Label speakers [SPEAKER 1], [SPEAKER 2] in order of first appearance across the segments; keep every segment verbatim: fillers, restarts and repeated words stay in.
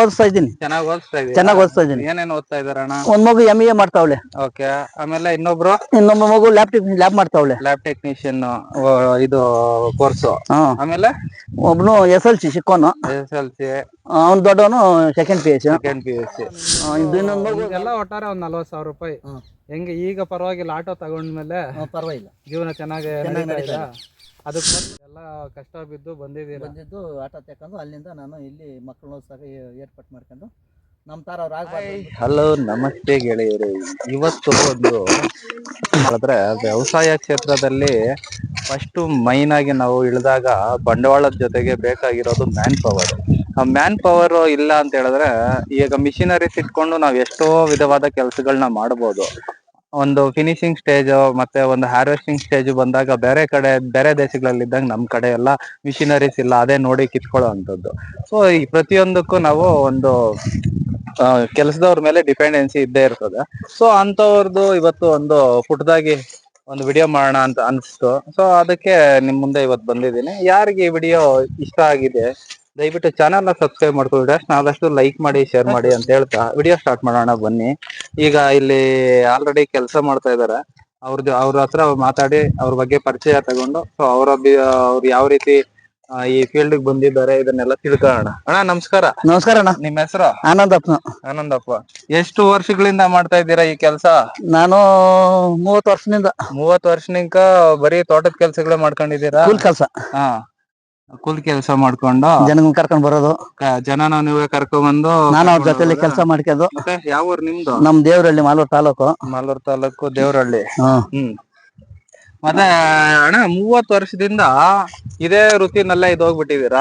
[SPEAKER 1] ಓದಿಸ್ತಾ ಇದ್ದೀನಿ.
[SPEAKER 2] ಚೆನ್ನಾಗಿ ಓದಿಸ್ತಾ ಇದೀರಾ?
[SPEAKER 1] ಚೆನ್ನಾಗಿ ಓದಿಸ್ತಾ ಇದ್ದೀನಿ.
[SPEAKER 2] ಏನೇನ್ ಓದ್ತಾ ಇದಾರಣ್ಣ?
[SPEAKER 1] ಒಂದ್ ಮಗು ಎಂ ಎ ಮಾಡ್ತಾವಳೆ.
[SPEAKER 2] ಓಕೆ, ಆಮೇಲೆ ಇನ್ನೊಬ್ರು
[SPEAKER 1] ಇನ್ನೊಬ್ಬ ಮಗು ಲ್ಯಾಬ್ ಟೆಕ್ನಿ ಲ್ಯಾಬ್ ಮಾಡ್ತಾವಳೆ.
[SPEAKER 2] ಲ್ಯಾಬ್ ಟೆಕ್ನಿಷಿಯನ್ ಇದು ಕೋರ್ಸ್. ಆಮೇಲೆ
[SPEAKER 1] ಒಬ್ನು ಎಸ್ ಎಲ್ ಸಿ ಸಿಕ್ಕೋನು.
[SPEAKER 2] S L C.
[SPEAKER 1] ಅವ್ನು ದೊಡ್ಡವನು second P S
[SPEAKER 2] second P U C.
[SPEAKER 3] ಎಲ್ಲ ಒಟ್ಟಾರೆ ಒಂದ್ ನಲ್ವತ್ತು ಸಾವಿರ ರೂಪಾಯಿ. ಹೆಂಗೆ ಈಗ ಪರವಾಗಿಲ್ಲ, ಆಟೋ ತಗೊಂಡ್ಮೇಲೆ
[SPEAKER 1] ಪರವಾಗಿಲ್ಲ,
[SPEAKER 3] ಜೀವನ ಚೆನ್ನಾಗಿ ಅದಕ್ಕೆ ಎಲ್ಲ ಕಷ್ಟ ಬಿದ್ದು ಬಂದಿದ್ದೀರಾ?
[SPEAKER 1] ಬಂದಿದ್ದು ಆಟೋ ತಕೊಂಡು ಅಲ್ಲಿಂದ ನಾನು ಇಲ್ಲಿ ಮಕ್ಕಳನ್ನ ಸಹ ಏರ್ಪಾಟ್ ಮಾಡ್ಕೊಂಡು ನಮ್ಮ ತರ ಅವ್ರು ಆಗ್ಬಾರ್ದು.
[SPEAKER 2] ಹಲೋ, ನಮಸ್ತೆ ಗೆಳೆಯರು. ಇವತ್ತು ಒಂದು ಹೇಳಿದ್ರೆ ವ್ಯವಸಾಯ ಕ್ಷೇತ್ರದಲ್ಲಿ ಫಸ್ಟ್ ಮೈನ್ ಆಗಿ ನಾವು ಇಳಿದಾಗ ಬಂಡವಾಳದ ಜೊತೆಗೆ ಬೇಕಾಗಿರೋದು ಮ್ಯಾನ್ ಪವರ್. ಆ ಮ್ಯಾನ್ ಪವರ್ ಇಲ್ಲ ಅಂತ ಹೇಳಿದ್ರೆ ಈಗ ಮಿಷಿನರೀಸ್ ಇಟ್ಕೊಂಡು ನಾವ್ ಎಷ್ಟೋ ವಿಧವಾದ ಕೆಲಸಗಳನ್ನ ಮಾಡಬಹುದು. ಒಂದು ಫಿನಿಶಿಂಗ್ ಸ್ಟೇಜ್ ಮತ್ತೆ ಒಂದು ಹಾರ್ವೆಸ್ಟಿಂಗ್ ಸ್ಟೇಜ್ ಬಂದಾಗ ಬೇರೆ ಕಡೆ ಬೇರೆ ದೇಶಗಳಲ್ಲಿ ಇದ್ದಂಗೆ ನಮ್ ಕಡೆ ಎಲ್ಲ ಮಿಷಿನರೀಸ್ ಇಲ್ಲ, ಅದೇ ನೋಡಿ ಕಿತ್ಕೊಳ್ಳೋ ಅಂತದ್ದು. ಸೊ ಈ ಪ್ರತಿಯೊಂದಕ್ಕೂ ನಾವು ಒಂದು ಕೆಲಸದವ್ರ ಮೇಲೆ ಡಿಪೆಂಡೆನ್ಸಿ ಇದ್ದೇ ಇರ್ತದೆ. ಸೊ ಅಂತವ್ರದ್ದು ಇವತ್ತು ಒಂದು ಪುಟ್ಟದಾಗಿ ಒಂದು ವಿಡಿಯೋ ಮಾಡೋಣ ಅಂತ ಅನ್ಸ್ತು. ಸೊ ಅದಕ್ಕೆ ನಿಮ್ ಮುಂದೆ ಇವತ್ತು ಬಂದಿದ್ದೀನಿ. ಯಾರಿಗೆ ಈ ವಿಡಿಯೋ ಇಷ್ಟ ಆಗಿದೆ ದಯವಿಟ್ಟು ಚಾನಲ್ ನ ಸಬ್ಸ್ಕ್ರೈಬ್ ಮಾಡ್ಕೊಳ್ಳಿ, ಆದಷ್ಟು ಲೈಕ್ ಮಾಡಿ, ಶೇರ್ ಮಾಡಿ ಅಂತ ಹೇಳ್ತಾ ವಿಡಿಯೋ ಸ್ಟಾರ್ಟ್ ಮಾಡೋಣ ಬನ್ನಿ. ಈಗ ಇಲ್ಲಿ ಆಲ್ರೆಡಿ ಕೆಲಸ ಮಾಡ್ತಾ ಇದಾರೆ. ಅವ್ರದ್ದು ಅವ್ರ ಹತ್ರ ಮಾತಾಡಿ ಅವ್ರ ಬಗ್ಗೆ ಪರಿಚಯ ತಗೊಂಡು ಸೊ ಅವ್ರ ಅವ್ರು ಯಾವ ರೀತಿ ಈ ಫೀಲ್ಡ್ ಬಂದಿದ್ದಾರೆ ಇದನ್ನೆಲ್ಲ ತಿಳ್ಕೊಳ್ಳೋಣ. ಅಣ್ಣ ನಮಸ್ಕಾರ.
[SPEAKER 1] ನಮಸ್ಕಾರ ಅಣ್ಣ.
[SPEAKER 2] ನಿಮ್ ಹೆಸರು?
[SPEAKER 1] ಆನಂದಪ್ಪ.
[SPEAKER 2] ಆನಂದಪ್ಪ. ಎಷ್ಟು ವರ್ಷಗಳಿಂದ ಮಾಡ್ತಾ ಇದ್ದೀರಾ ಈ ಕೆಲಸ?
[SPEAKER 1] ನಾನು ಮೂವತ್ತು ವರ್ಷದಿಂದ.
[SPEAKER 2] ಮೂವತ್ತು ವರ್ಷನಿಂದ ಬರೀ ತೋಟದ ಕೆಲ್ಸಗಳೇ ಮಾಡ್ಕೊಂಡಿದ್ದೀರಾ?
[SPEAKER 1] ಕೂಲಿ ಕೆಲಸ.
[SPEAKER 2] ಹಾ, ಕೂಲಿ ಕೆಲಸ ಮಾಡ್ಕೊಂಡು
[SPEAKER 1] ಜನ ಕರ್ಕೊಂಡ್ ಬರೋದು,
[SPEAKER 2] ಜನನ ನೀವೇ ಕರ್ಕೊಂಡ್ ಬಂದು
[SPEAKER 1] ನಾನು ಅವ್ರ ಜೊತೆಲಿ ಕೆಲಸ ಮಾಡ್ಕೊಂಡು.
[SPEAKER 2] ಮತ್ತೆ ಯಾವ ಊರು ನಿಮ್ದು?
[SPEAKER 1] ನಮ್ ದೇವರಹಳ್ಳಿ, ಮಾಲೂರು ತಾಲೂಕು.
[SPEAKER 2] ಮಾಲೂರು ತಾಲೂಕು ದೇವರಹಳ್ಳಿ. ಹ್ಮ್. ಮತ್ತೆ ಅಣ್ಣ ಮೂವತ್ತು ವರ್ಷದಿಂದ ಇದೇ ವೃತ್ತಿನಲ್ಲೇ ಇದು ಹೋಗ್ಬಿಟ್ಟಿದೀರಾ?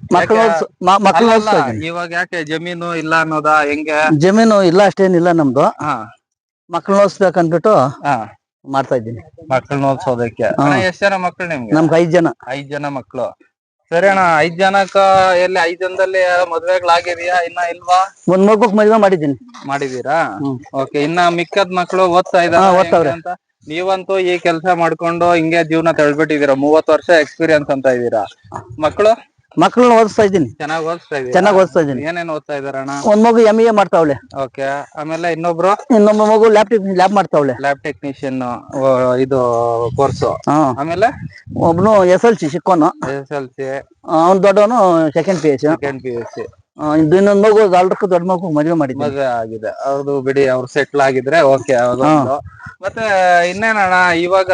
[SPEAKER 2] ಇವಾಗ ಯಾಕೆ ಜಮೀನು ಇಲ್ಲ ಅನ್ನೋದಾ ಹೆಂಗೆ?
[SPEAKER 1] ಜಮೀನು ಇಲ್ಲ, ಅಷ್ಟೇನಿಲ್ಲ ನಮ್ದು.
[SPEAKER 2] ಹಾ,
[SPEAKER 1] ಮಕ್ಳು ಓದಿಸ್ಬೇಕಂದ್ಬಿಟ್ಟು
[SPEAKER 2] ಹಾ
[SPEAKER 1] ಮಾಡ್ತಾ ಇದ್ದೀನಿ.
[SPEAKER 2] ಮಕ್ಕಳನ್ನ ಓದಿಸೋದಕ್ಕೆ. ಎಷ್ಟ್ ಜನ ಮಕ್ಳು ನಿಮ್ಗೆ?
[SPEAKER 1] ನಮ್ಗೆ ಐದ್ ಜನ.
[SPEAKER 2] ಐದ್ ಜನ ಮಕ್ಳು. ಸರಿ ಅಣ್ಣ, ಐದ್ ಜನಕ್ಕ ಎಲ್ಲಿ ಐದ್ ಜನದಲ್ಲಿ ಮದ್ವೆಗಳಾಗಿದೆಯಾ ಇನ್ನ ಇಲ್ವಾ?
[SPEAKER 1] ಒಂದ್ ಮಗುಕ್ ಮದ್ವೆ ಮಾಡಿದ್ದೀನಿ.
[SPEAKER 2] ಮಾಡಿದೀರಾ? ಓಕೆ. ಇನ್ನ ಮಿಕ್ಕದ್ ಮಕ್ಳು ಓದ್ತಾ ಇದಾರೆ ಅಂತ? ನೀವಂತೂ ಈ ಕೆಲಸ ಮಾಡ್ಕೊಂಡು ಹಿಂಗೆ ಜೀವನ ತಳ್ಬಿಟ್ಟಿದೀರಾ. ಮೂವತ್ ವರ್ಷ ಎಕ್ಸ್ಪೀರಿಯನ್ಸ್ ಅಂತ ಇದೀರಾ. ಮಕ್ಕಳು
[SPEAKER 1] ಮಕ್ಕಳನ್ನ ಓದಿಸ್ತಾ ಇದ್ದೀನಿ.
[SPEAKER 2] ಚೆನ್ನಾಗಿ ಓದಿಸ್ತಾ ಇದೀರಾ?
[SPEAKER 1] ಚೆನ್ನಾಗಿ ಓದಿಸ್ತಾ ಇದ್ದೀನಿ.
[SPEAKER 2] ಏನೇನ್ ಓದ್ತಾ ಇದಾರಣ್ಣ?
[SPEAKER 1] ಒಂದ್ ಮಗು ಎಂ ಎ ಮಾಡ್ತಾವಳೆ.
[SPEAKER 2] ಓಕೆ, ಆಮೇಲೆ ಇನ್ನೊಬ್ರು?
[SPEAKER 1] ಇನ್ನೊಬ್ಬ ಮಗು ಲ್ಯಾಬ್ ಟೆಕ್ನಿ ಲ್ಯಾಬ್ ಮಾಡ್ತಾವಳೆ.
[SPEAKER 2] ಲ್ಯಾಬ್ ಟೆಕ್ನಿಷಿಯನ್ ಇದು ಕೋರ್ಸ್. ಆಮೇಲೆ
[SPEAKER 1] ಒಬ್ನು ಎಸ್ ಎಲ್ ಸಿ ಸಿಕ್ಕೋನು.
[SPEAKER 2] S L C.
[SPEAKER 1] ಅವ್ನು ದೊಡ್ಡವನು second P S.
[SPEAKER 2] Second P U C.
[SPEAKER 1] ಇನ್ನೊಂದ್ ಮಗು ಅಲ್ರಕ್ಕೂ ದೊಡ್ಡ ಮಗು ಮದುವೆ ಮಾಡಿದ್ವಿ.
[SPEAKER 2] ಮದುವೆ ಆಗಿದೆ ಅವ್ರದ್ದು ಬಿಡಿ, ಅವ್ರು ಸೆಟ್ಲ್ ಆಗಿದ್ರೆ ಓಕೆ. ಮತ್ತೆ ಇನ್ನೇನಣ್ಣ, ಇವಾಗ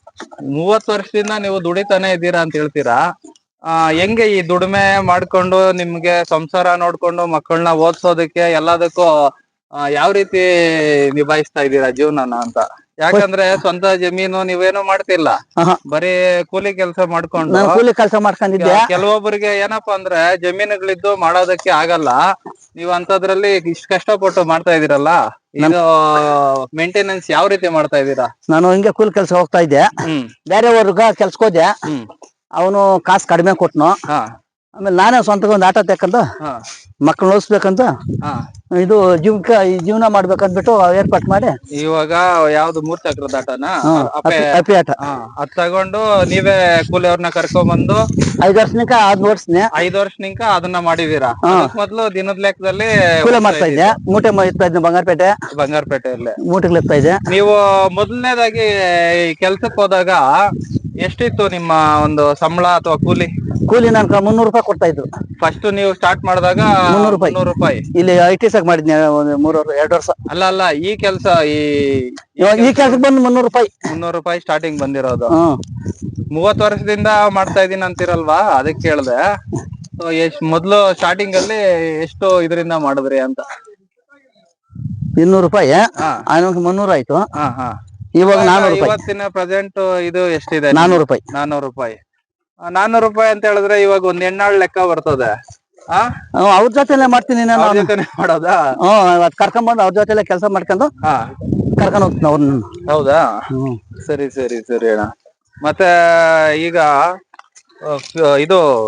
[SPEAKER 2] ಮೂವತ್ ವರ್ಷದಿಂದ ನೀವು ದುಡಿತಾನೆ ಇದ್ದೀರಾ ಅಂತ ಹೇಳ್ತೀರಾ. ಆ ಹೆಂಗೆ ಈ ದುಡಿಮೆ ಮಾಡ್ಕೊಂಡು ನಿಮ್ಗೆ ಸಂಸಾರ ನೋಡ್ಕೊಂಡು ಮಕ್ಕಳನ್ನ ಓದ್ಸೋದಕ್ಕೆ ಎಲ್ಲದಕ್ಕೂ ಯಾವ ರೀತಿ ನಿಭಾಯಿಸ್ತಾ ಇದ್ದೀರಾ ಜೀವನನ ಅಂತ? ಯಾಕಂದ್ರೆ ಸ್ವಂತ ಜಮೀನು ನೀವೇನು ಮಾಡ್ತಿಲ್ಲ, ಬರೀ ಕೂಲಿ ಕೆಲಸ ಮಾಡ್ಕೊಂಡು.
[SPEAKER 1] ಕೂಲಿ ಕೆಲಸ ಮಾಡ್ಕೊಂಡಿದ್ದೆ.
[SPEAKER 2] ಕೆಲವೊಬ್ಬರಿಗೆ ಏನಪ್ಪಾ ಅಂದ್ರೆ ಜಮೀನುಗಳಿದ್ದು ಮಾಡೋದಕ್ಕೆ ಆಗಲ್ಲ. ನೀವ್ ಅಂತದ್ರಲ್ಲಿ ಇಷ್ಟ ಕಷ್ಟಪಟ್ಟು ಮಾಡ್ತಾ ಇದೀರಲ್ಲ, ಇದು ಮೇಂಟೆನೆನ್ಸ್ ಯಾವ ರೀತಿ ಮಾಡ್ತಾ ಇದೀರಾ?
[SPEAKER 1] ನಾನು ಹಿಂಗೆ ಕೂಲಿ ಕೆಲಸ ಹೋಗ್ತಾ ಇದ್ದೆ. ಬೇರೆ ವರ್ಗ ಕೆಲ್ಸಕ್ಕೆ ಹೋದೆ. ಅವನು ಕಾಸು ಕಡಿಮೆ ಕೊಟ್ನು. ಆಮೇಲೆ ನಾನೇ ಸ್ವಂತ ಒಂದು ಆಟೋ ತಕ್ಕಂತ ಮಕ್ಕಳು ಓದಿಸ್ಬೇಕಂತ ಇದು ಜೀವಕ ಜೀವನ ಮಾಡ್ಬೇಕಂದ್ಬಿಟ್ಟು ಏರ್ಪಾಟ್ ಮಾಡಿ.
[SPEAKER 2] ಇವಾಗ ಯಾವ್ದು ಮೂರ್ ಚಕ್ರದ ಆಟನ?
[SPEAKER 1] ಅಪಿ ಆಟ.
[SPEAKER 2] ಅದ್ ತಗೊಂಡು ನೀವೇ ಕೂಲಿ ಅವ್ರನ್ನ ಕರ್ಕೊಂಡ್ ಬಂದು
[SPEAKER 1] ಐದ್ ವರ್ಷನಿಕ ಅದ್ ಓಡಿಸ್ನೆ.
[SPEAKER 2] ಐದ್ ವರ್ಷನಿಕ ಅದನ್ನ ಮಾಡಿದೀರಾ? ಮೊದ್ಲು ದಿನದ ಲೆಕ್ಕದಲ್ಲಿ
[SPEAKER 1] ಕೂಲಿ ಮಾಡ್ತಾ ಇದ್ದೆ. ಮೂಟೆ ಇರ್ತಾ ಇದ್ದೆ ಬಂಗಾರಪೇಟೆ.
[SPEAKER 2] ಬಂಗಾರಪೇಟೆಯಲ್ಲಿ
[SPEAKER 1] ಮೂಟೆಗಳು ಇರ್ತಾ ಇದ್ದೆ.
[SPEAKER 2] ನೀವು ಮೊದಲನೇದಾಗಿ ಕೆಲ್ಸಕ್ಕೆ ಹೋದಾಗ ಎಷ್ಟಿತ್ತು ನಿಮ್ಮ ಒಂದು ಸಂಬಳ ಅಥವಾ ಕೂಲಿ?
[SPEAKER 1] ಕೂಲಿ ನನ್ ಮುನ್ನೂರು ರೂಪಾಯಿ ಕೊಡ್ತಾ ಇದ್ರು.
[SPEAKER 2] ಫಸ್ಟ್ ನೀವು ಸ್ಟಾರ್ಟ್ ಮಾಡಿದಾಗ ಮುನ್ನೂರು ರೂಪಾಯಿ ರೂಪಾಯಿ ಇಲ್ಲಿ
[SPEAKER 1] ಐ ಟಿ ಸಾಕ್ ಮಾಡಿದ್ನಿ ಮೂರ್ ಎರಡು ವರ್ಷ.
[SPEAKER 2] ಅಲ್ಲ ಅಲ್ಲ ಈ ಕೆಲಸ ಈ
[SPEAKER 1] ಈ ಕೆಲ್ಸಕ್ಕೆ ಬಂದು ಮುನ್ನೂರು ರೂಪಾಯಿ
[SPEAKER 2] ಮುನ್ನೂರು ರೂಪಾಯಿ ಸ್ಟಾರ್ಟಿಂಗ್ ಬಂದಿರೋದು. ಮೂವತ್ ವರ್ಷದಿಂದ ಮಾಡ್ತಾ ಇದೀನಿ ಅಂತಿರಲ್ವಾ, ಅದಕ್ಕೆ ಕೇಳ್ದೆ. ಎಷ್ಟ್ ಮೊದ್ಲು ಸ್ಟಾರ್ಟಿಂಗ್ ಅಲ್ಲಿ ಎಷ್ಟು ಇದರಿಂದ ಮಾಡಿದ್ರಿ ಅಂತ?
[SPEAKER 1] ಇನ್ನೂರು ರೂಪಾಯಿ ಮುನ್ನೂರು ಆಯ್ತು.
[SPEAKER 2] ಹಾ ಹಾ
[SPEAKER 1] ಇವಾಗ ನಾನೂರು
[SPEAKER 2] ಇವತ್ತಿನ ಪ್ರೆಸೆಂಟ್ ಇದು ಎಷ್ಟಿದೆ?
[SPEAKER 1] ನಾನೂರು ರೂಪಾಯಿ.
[SPEAKER 2] ನಾನೂರು ರೂಪಾಯಿ ನಾನೂರು ರೂಪಾಯಿ ಅಂತ ಹೇಳಿದ್ರೆ ಇವಾಗ ಒಂದ್ ಹೆಣ್ಣಾಳ್ ಲೆಕ್ಕ ಬರ್ತದೆ.
[SPEAKER 1] ಅವ್ರ ಜೊತೆಲೆ ಮಾಡ್ತೀನಿ ನಾನು.
[SPEAKER 2] ಮಾಡೋದಾ?
[SPEAKER 1] ಹ್ಮ್, ಕರ್ಕೊಂಡ್ ಬಂದು ಅವ್ರ ಜೊತೆಲೆ ಕೆಲಸ ಮಾಡ್ಕೊಂಡು ಕರ್ಕೊಂಡ್ ಹೋಗ್ತೀನಿ ಅವ್ರನ್ನ.
[SPEAKER 2] ಹೌದಾ? ಸರಿ ಸರಿ ಸರಿ ಅಣ್ಣ. ಮತ್ತೆ ಈಗ ಇದು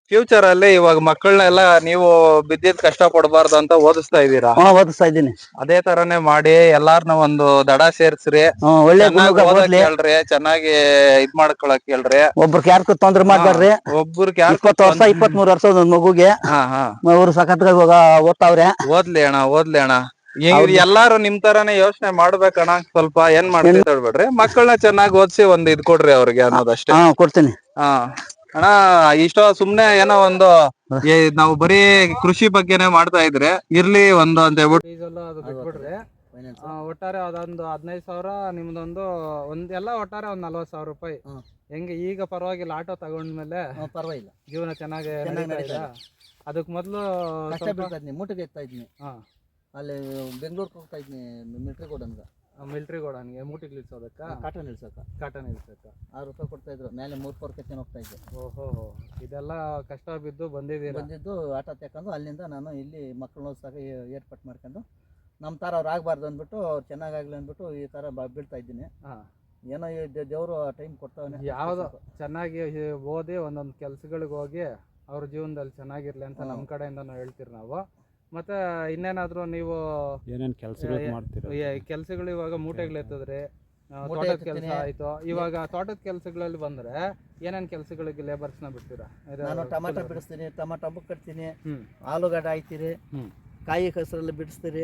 [SPEAKER 2] ಫ್ಯೂಚರ್ ಅಲ್ಲಿ ಇವಾಗ ಮಕ್ಕಳನ್ನೆಲ್ಲ ನೀವು ಬಿದ್ದಿದ್ ಕಷ್ಟ ಪಡಬಾರ್ದು ಅಂತ ಓದಿಸ್ತಾ ಇದ್ದೀರಾ.
[SPEAKER 1] ಹಾ ಓದಿಸ್ತಾ ಇದ್ದೀನಿ.
[SPEAKER 2] ಅದೇ ತರಾನೇ ಮಾಡಿ ಎಲ್ಲಾರ್ನ ಒಂದು ದಡ ಸೇರ್ಸ್ರಿ,
[SPEAKER 1] ಹ್ಮ್, ಒಳ್ಳೆ
[SPEAKER 2] ಚೆನ್ನಾಗಿ
[SPEAKER 1] ಗುಣ
[SPEAKER 2] ಓದಕ್
[SPEAKER 1] ಓದ್ಲಿ.
[SPEAKER 2] ಹೇಳ್ರಿ, ಚೆನ್ನಾಗಿ ಇದ್ ಮಾಡ್ಕೊಳಕ್ ಹೇಳ್ರಿ.
[SPEAKER 1] ಒಬ್ರಿಗೆ ಯಾರ್ಗೂ ತೊಂದ್ರೆ ಮಾಡ್ಬಾರ್ರಿ.
[SPEAKER 2] ಒಬ್ರಿಗೆ ಯಾರು
[SPEAKER 1] ಇಪ್ಪತ್ತು ವರ್ಷ ಇಪ್ಪತ್ತ್ ಮೂರು ವರ್ಷ ಒಂದ್ ಮಗುಗೆ
[SPEAKER 2] ಹಾ ಹಾ
[SPEAKER 1] ಅವ್ರು ಸಖತ್ ಓದ್ತಾವ್ರೆ.
[SPEAKER 2] ಓದ್ಲಿ ಅಣ್ಣ ಓದ್ಲಿ ಅಣ್ಣ. ಈಗ ಎಲ್ಲಾರು ನಿಮ್ ತರಾನೇ ಯೋಚನೆ ಮಾಡ್ಬೇಕಣ್ಣ. ಸ್ವಲ್ಪ ಏನ್ ಮಾಡ್ತೀವಿ ಹೇಳ್ಬೇಡ್ರಿ, ಮಕ್ಕಳನ್ನ ಚೆನ್ನಾಗಿ ಓದಿಸಿ ಒಂದ್ ಇದ್ ಕೊಡ್ರಿ ಅವ್ರಿಗೆ ಅನ್ನೋದಷ್ಟೇ.
[SPEAKER 1] ಹಾ ಕೊಡ್ತೀನಿ.
[SPEAKER 2] ಹಾ ಅಣ್ಣ, ಇಷ್ಟೋ ಸುಮ್ನೆ ಏನೋ ಒಂದು ಏ, ನಾವು ಬರೀ ಕೃಷಿ ಬಗ್ಗೆನೆ ಮಾಡ್ತಾ ಇದ್ರೆ ಇರ್ಲಿ ಒಂದು ಅಂತ ಹೇಳ್ಬಿಟ್ಟು
[SPEAKER 3] ಡೀಸೆಲ್ ಅದು ಬಿಟ್ಬಿಡ್ರಿ. ಆ, ಒಟ್ಟಾರೆ ಅದೊಂದು ಹದಿನೈದು ಸಾವಿರ ನಿಮ್ದೊಂದು ಒಂದ್ ಎಲ್ಲ ಒಟ್ಟಾರೆ ಒಂದ್ ನಲ್ವತ್ತು ಸಾವಿರ ರೂಪಾಯಿ. ಹೆಂಗೆ ಈಗ ಪರವಾಗಿಲ್ಲ, ಆಟೋ ತಗೊಂಡ್ಮೇಲೆ
[SPEAKER 1] ಪರವಾಗಿಲ್ಲ,
[SPEAKER 3] ಜೀವನ ಚೆನ್ನಾಗಿ ನಡೀತಾ. ಅದಕ್ ಮೊದ್ಲು
[SPEAKER 1] ಮೂಟೆಗೆ ಎತ್ತಾ ಇದ್ನಿ.
[SPEAKER 3] ಹಾ,
[SPEAKER 1] ಅಲ್ಲಿ ಬೆಂಗಳೂರಿಗೆ ಹೋಗ್ತಾ ಇದ್ನಿ, ಮಿಲ್ಟ್ರಿ ಗೋಡನ್ಗ.
[SPEAKER 3] ಮಿಲ್ಟ್ರಿ ಗೋಡನ್ಗೆ ಮೂಟಿಗೆ ಇಳಿಸೋದಕ್ಕ,
[SPEAKER 1] ಕಾಟನ್ ಇಳ್ಸಕ್ಕ
[SPEAKER 3] ಕಾಟನ್ ಇಳಿಸಕ್ಕ
[SPEAKER 1] ಆರು ರೂಪಾಯಿ ಕೊಡ್ತಾ ಇದ್ರು. ಮೇಲೆ ಮೂರ್ ಪರ್ ಕೆತ್ತನೆ ಹೋಗ್ತಾ ಇದ್ದೆ.
[SPEAKER 3] ಓಹೋ, ಇದೆಲ್ಲ ಕಷ್ಟ ಬಿದ್ದು ಬಂದಿದ್ದೀರಾ.
[SPEAKER 1] ಬಂದಿದ್ದು ಆಟೋ ತಕೊಂಡು ಅಲ್ಲಿಂದ ನಾನು ಇಲ್ಲಿ ಮಕ್ಕಳನ್ನ ಓದಿಸಾಕ ಏರ್ಪಾಟ್ ಮಾಡ್ಕೊಂಡು ನಮ್ಮ ಥರ ಅವ್ರು ಆಗಬಾರ್ದು ಅಂದ್ಬಿಟ್ಟು, ಅವ್ರು ಚೆನ್ನಾಗಾಗ್ಲಿ ಅಂದ್ಬಿಟ್ಟು ಈ ಥರ ಬೀಳ್ತಾ ಇದ್ದೀನಿ. ಏನೋ ದೇವರು ಟೈಮ್ ಕೊಡ್ತಾವನೆ.
[SPEAKER 3] ಯಾವ್ದು ಚೆನ್ನಾಗಿ ಓದಿ ಒಂದೊಂದು ಕೆಲ್ಸಗಳಿಗೆ ಹೋಗಿ ಅವ್ರ ಜೀವನದಲ್ಲಿ ಚೆನ್ನಾಗಿರ್ಲಿ ಅಂತ ನಮ್ಮ ಕಡೆಯಿಂದ ನಾವು ಹೇಳ್ತೀರಿ ನಾವು. ಮತ್ತೆ ಇನ್ನೇನಾದ್ರು ನೀವು
[SPEAKER 4] ಏನೇನ್ ಕೆಲಸಗಳು ಮಾಡ್ತೀರಾ?
[SPEAKER 3] ಕೆಲ್ಸಗಳು ಇವಾಗ ಮೂಟೆಗಳು ಎತ್ತಿದ್ರೆ ತೋಟದ ಕೆಲಸ ಆಯ್ತು. ಇವಾಗ ತೋಟದ ಕೆಲಸಗಳಲ್ಲಿ ಬಂದ್ರೆ ಏನೇನ್ ಕೆಲಸಗಳಿಗೆ ಲೇಬರ್ಸ್ ನ ಬಿಡ್ತೀರಾ?
[SPEAKER 1] ನಾನು ಟಮಾಟ ಬಿಡಿಸ್ತೀನಿ, ಟಮಾಟ ಹಬ್ಬ ಕಟ್ತೀನಿ, ಆಲೂಗಡ್ಡೆ ಹಾಯ್ತೀರಿ, ಕಾಯಿ ಕಸರಲ್ಲಿ ಬಿಡಿಸ್ತೀರಿ,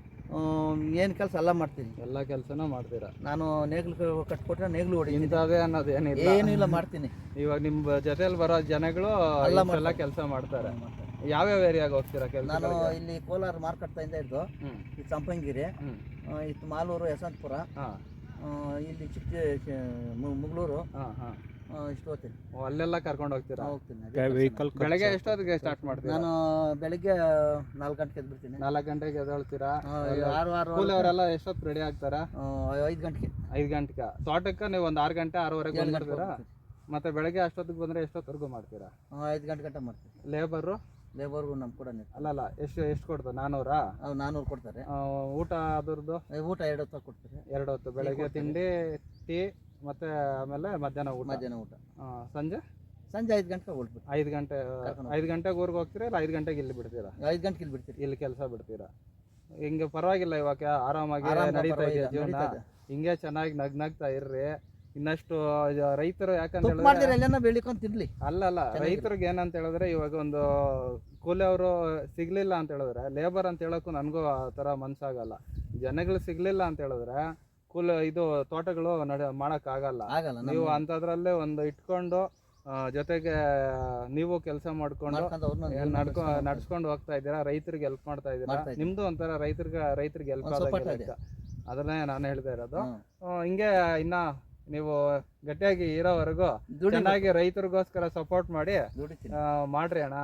[SPEAKER 1] ಏನ್ ಕೆಲಸ ಎಲ್ಲ ಮಾಡ್ತೀನಿ.
[SPEAKER 3] ಎಲ್ಲ ಕೆಲಸನೂ ಮಾಡ್ತೀರಾ?
[SPEAKER 1] ನಾನು ನೇಗ್ಲು ಕಟ್ಕೊಟ್ರೆ ನೇಗ್ಲು ಹೊಡಿ
[SPEAKER 3] ಇಂಥದ್ದೇ ಅನ್ನೋದು ಏನಿಲ್ಲ,
[SPEAKER 1] ಏನಿಲ್ಲ ಮಾಡ್ತೀನಿ.
[SPEAKER 3] ಇವಾಗ ನಿಮ್ ಜೊತೆಲಿ ಬರೋ ಜನಗಳು ಎಲ್ಲ ಕೆಲಸ ಮಾಡ್ತಾರೆ. ಯಾವ್ಯಾವ ಏರಿಯಾಗ ಹೋಗ್ತೀರಾ ಕೆಲಸ?
[SPEAKER 1] ನಾನು ಇಲ್ಲಿ ಕೋಲಾರ ಮಾರ್ಕಟ್ಟಾಯಿಂದ ಇದ್ದು, ಈ ಸಂಪಂಗಿರಿ, ಇದು ಮಾಲೂರು, ಯಶವಂತಪುರ, ಇಲ್ಲಿ ಚಿಕ್ಕ ಮುಗಳೂರು, ಇಷ್ಟು ಹೋಗ್ತೀನಿ.
[SPEAKER 3] ಅಲ್ಲೆಲ್ಲ ಕರ್ಕೊಂಡು ಹೋಗ್ತೀರಾ?
[SPEAKER 1] ಹೋಗ್ತೀನಿ.
[SPEAKER 3] ಬೆಳಗ್ಗೆ ಎಷ್ಟೊತ್ತಿಗೆ ಸ್ಟಾರ್ಟ್ ಮಾಡ್ತೀರಾ?
[SPEAKER 1] ನಾನು ಬೆಳಿಗ್ಗೆ ನಾಲ್ಕು ಗಂಟೆಗೆ ಎದ್ಬಿಡ್ತೀನಿ.
[SPEAKER 3] ನಾಲ್ಕು ಗಂಟೆಗೆ ಎದ್ದೇಳ್ತೀರಾ?
[SPEAKER 1] ಆರು ಆರು
[SPEAKER 3] ಅವರೆಲ್ಲ ಎಷ್ಟೊತ್ತು ರೆಡಿ ಆಗ್ತಾರಾ?
[SPEAKER 1] ಐದು ಗಂಟೆಗೆ.
[SPEAKER 3] ಐದು ಗಂಟೆಗೆ ತೋಟಕ್ಕೆ ನೀವು ಒಂದು ಆರು ಗಂಟೆ ಆರೂವರೆಗೆ ಬಂದ್ಬಿಡ್ತೀರಾ? ಮತ್ತೆ ಬೆಳಗ್ಗೆ ಅಷ್ಟೊತ್ತಿಗೆ ಬಂದ್ರೆ ಎಷ್ಟೊತ್ತವರೆಗೂ ಮಾಡ್ತೀರಾ?
[SPEAKER 1] ಐದು ಗಂಟೆ ಗಂಟೆ ಮಾಡ್ತೀನಿ.
[SPEAKER 3] ಲೇಬರು
[SPEAKER 1] ಲೇಬರ್ಗೂ ನಮ್ ಕೂಡ
[SPEAKER 3] ಅಲ್ಲಲ್ಲ, ಎಷ್ಟು ಎಷ್ಟು ಕೊಡ್ತಾರೆ? ನಾನೂರಾ?
[SPEAKER 1] ನಾನೂರು ಕೊಡ್ತಾರೆ.
[SPEAKER 3] ಊಟ ಅದ್ರದ್ದು?
[SPEAKER 1] ಊಟ ಎರಡು ಹೊತ್ತು ಕೊಡ್ತಾರೆ.
[SPEAKER 3] ಎರಡು ಹೊತ್ತು, ಬೆಳಗ್ಗೆ ತಿಂಡಿ, ಟೀ, ಮತ್ತೆ ಆಮೇಲೆ ಮಧ್ಯಾಹ್ನ ಊಟ.
[SPEAKER 1] ಮಧ್ಯಾಹ್ನ ಊಟ.
[SPEAKER 3] ಸಂಜೆ
[SPEAKER 1] ಸಂಜೆ ಐದು ಗಂಟೆಗೆ ಹೊರಡ್ಬಿಟ್ಟು.
[SPEAKER 3] ಐದು ಗಂಟೆ ಐದು ಗಂಟೆಗೆ ಊರಿಗೆ ಹೋಗ್ತೀರಾ ಇಲ್ಲ ಐದು ಗಂಟೆಗೆ ಇಲ್ಲಿ ಬಿಡ್ತೀರಾ?
[SPEAKER 1] ಐದು ಗಂಟೆಗೆ ಇಲ್ಲಿ ಬಿಡ್ತೀರಿ.
[SPEAKER 3] ಇಲ್ಲಿ ಕೆಲಸ ಬಿಡ್ತೀರಾ? ಹಿಂಗೆ ಪರವಾಗಿಲ್ಲ, ಇವಾಗ ಆರಾಮಾಗಿ ನಡೀತಾ ಇದೆ ಜೀವನ. ಹಿಂಗೆ ಚೆನ್ನಾಗಿ ನಗ್ ನಗ್ತಾ ಇರ್ರಿ. ಇನ್ನಷ್ಟು ರೈತರು ಯಾಕಂತ ಹೇಳಿದ್ರೆ, ಅಲ್ಲಲ್ಲ, ರೈತರಿಗೆ ಏನಂತ ಹೇಳಿದ್ರೆ ಇವಾಗ ಒಂದು ಕೂಲಿ ಅವರು ಸಿಗ್ಲಿಲ್ಲ ಅಂತ ಹೇಳಿದ್ರೆ, ಲೇಬರ್ ಅಂತ ಹೇಳಕ್ಕೂ ನನಗೂ ಆ ಥರ ಮನ್ಸಾಗಲ್ಲ. ಜನಗಳು ಸಿಗ್ಲಿಲ್ಲ ಅಂತ ಹೇಳಿದ್ರೆ ಕೂಲಿ ಇದು ತೋಟಗಳು ನಡೆ ಮಾಡಕ್ ಆಗಲ್ಲ. ನೀವು ಅಂತದ್ರಲ್ಲೇ ಒಂದು ಇಟ್ಕೊಂಡು ಜೊತೆಗೆ ನೀವು ಕೆಲಸ ಮಾಡ್ಕೊಂಡು ನಡ್ಕೊ ನಡ್ಸ್ಕೊಂಡು ಹೋಗ್ತಾ ಇದ್ದೀರಾ. ರೈತರಿಗೆ ಹೆಲ್ಪ್ ಮಾಡ್ತಾ ಇದ್ದೀರಾ. ನಿಮ್ದು ಒಂಥರ ರೈತರಿಗೆ ರೈತರಿಗೆ ಹೆಲ್ಪ್ ಆದಾಗ ಅದನ್ನೇ ನಾನು ಹೇಳ್ತಾ ಇರೋದು. ಹಿಂಗೆ ಇನ್ನ ನೀವು ಗಟ್ಟಿಯಾಗಿ ಇರೋವರೆಗೂ ಚೆನ್ನಾಗಿ ರೈತರಿಗೋಸ್ಕರ ಸಪೋರ್ಟ್ ಮಾಡಿ ಮಾಡ್ರಿ ಅಣ್ಣ.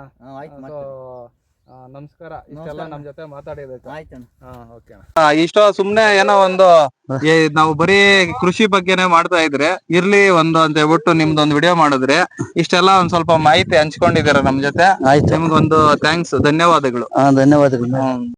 [SPEAKER 3] ನಮಸ್ಕಾರ, ಇಷ್ಟೆಲ್ಲ ನಮ್ ಜೊತೆ ಮಾತಾಡಿದಕ್ಕೆ.
[SPEAKER 2] ಇಷ್ಟೋ ಸುಮ್ನೆ ಏನೋ ಒಂದು ನಾವು ಬರೀ ಕೃಷಿ ಬಗ್ಗೆನೆ ಮಾಡ್ತಾ ಇದ್ರೆ ಇರ್ಲಿ ಒಂದು ಅಂತ ಹೇಳ್ಬಿಟ್ಟು ನಿಮ್ದೊಂದು ವಿಡಿಯೋ ಮಾಡಿದ್ರೆ ಇಷ್ಟೆಲ್ಲ ಒಂದ್ ಸ್ವಲ್ಪ ಮಾಹಿತಿ ಹಂಚ್ಕೊಂಡಿದ್ದೀರಾ ನಮ್ ಜೊತೆ. ನಿಮ್ಗೊಂದು ಥ್ಯಾಂಕ್ಸ್, ಧನ್ಯವಾದಗಳು.
[SPEAKER 1] ಧನ್ಯವಾದಗಳು.